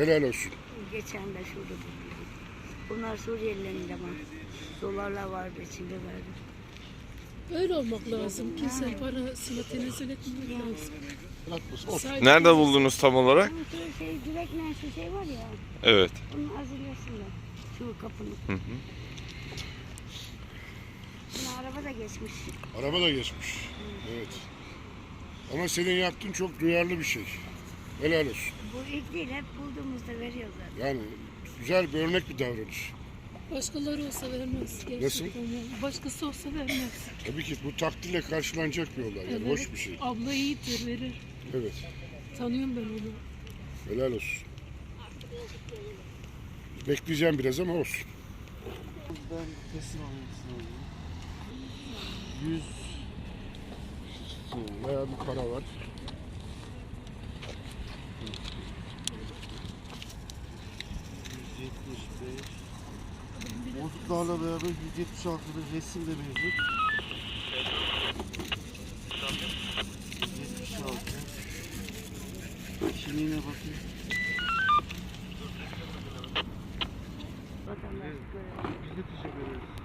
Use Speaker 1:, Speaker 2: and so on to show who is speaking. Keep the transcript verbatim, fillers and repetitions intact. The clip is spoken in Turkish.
Speaker 1: Helal olsun.
Speaker 2: Geçen de şurada buldum. Bunlar Suriyelilerin de var. Dolarlar vardı, içinde verdim.
Speaker 3: Öyle olmak lazım. Kimse parasını tenezzül etmemek lazım. Saygı-
Speaker 4: Nerede buldunuz tam olarak?
Speaker 2: Ama şu şey, direkle şu şey var ya,
Speaker 4: Evet.
Speaker 2: onun azilyasında. Şu kapının.
Speaker 4: Hı hı.
Speaker 2: Yine araba da geçmiş.
Speaker 1: Araba da geçmiş. Evet. Ama senin yaptığın çok duyarlı bir şey. Helal olsun.
Speaker 2: Bu ilk değil, hep bulduğumuzda veriyorlar.
Speaker 1: Yani güzel bir örnek bir davranış.
Speaker 3: Başkaları olsa vermez. Gerçekten
Speaker 1: Nasıl?
Speaker 3: yani. Başkası olsa vermez.
Speaker 1: Tabii ki bu takdirle karşılanacak bir olay. Yani hoş bir şey.
Speaker 3: Abla iyidir, verir.
Speaker 1: Evet.
Speaker 3: Tanıyorum ben onu.
Speaker 1: Helal olsun. Bekleyeceğim biraz ama olsun.
Speaker 5: Ben teslim almak yüz
Speaker 1: Bayağı bir para var.
Speaker 5: yüz yetmiş beş bozuklarla beraber yüz yetmiş altıda resim de mevcut. yüz yetmiş altı Kimliğine bakayım.
Speaker 2: Vatandaş böyle.
Speaker 5: Biz de teşekkür ederiz.